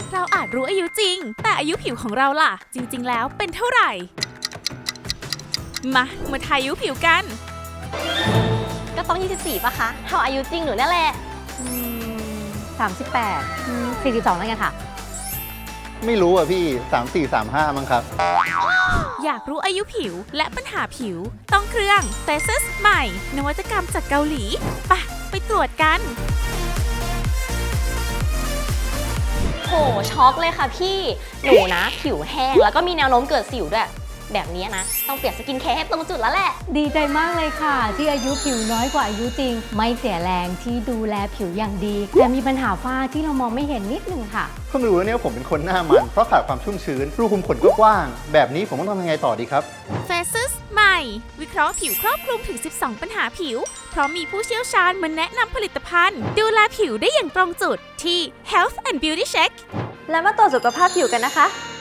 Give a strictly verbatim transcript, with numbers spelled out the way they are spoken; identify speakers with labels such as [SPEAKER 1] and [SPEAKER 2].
[SPEAKER 1] เราอาจรู้อายุจริงแต่อายุผิวของเราล่ะจริงๆแล้วเป็นเท่าไหร่มามาทายอายุผิวกัน
[SPEAKER 2] ก็ต้องยี่สิบสี่ป่ะคะเท่าอายุจริงหนูนั่นแหละ
[SPEAKER 3] สามสิบแปดสี่สิบสองแล้วกันค่ะ
[SPEAKER 4] ไม่รู้อ่ะพี่สามสี่สามห้ามั้งครับ
[SPEAKER 1] อยากรู้อายุผิวและปัญหาผิวต้องเครื่อง Faces ใหม่นวัตกรรมจากเกาหลีไปไปตรวจกัน
[SPEAKER 2] โหช็อกเลยค่ะพี่หนูนะผิวแห้งแล้วก็มีแนวโน้มเกิดสิวด้วยแบบนี้นะต้องเปลี่ยนสกินแคร์ให้ตรงจุดแล้วแหละ
[SPEAKER 3] ดีใจมากเลยค่ะที่อายุผิวน้อยกว่าอายุจริงไม่เสียแรงที่ดูแลผิวอย่างดีแต่มีปัญหาฝ้าที่เรามองไม่เห็นนิดนึงค่ะ
[SPEAKER 4] เพิ่งรู้ว่าเนี่ยผมเป็นคนหน้ามันเพราะขาดความชุ่มชื้นรูขุมขนก็กว้างแบบนี้ผมต้องทำยังไงต่อดีครับ
[SPEAKER 1] Faces ใหม่วิเคราะห์ผิวครอบคลุมถึงสิบสองปัญหาผิวเพราะมีผู้เชี่ยวชาญมาแนะนำผลิตภัณฑ์ดูแลผิวได้อย่างตรงจุดที่ Health and Beauty Check
[SPEAKER 5] แล้วมาตรวจสุขภาพผิวกันนะคะ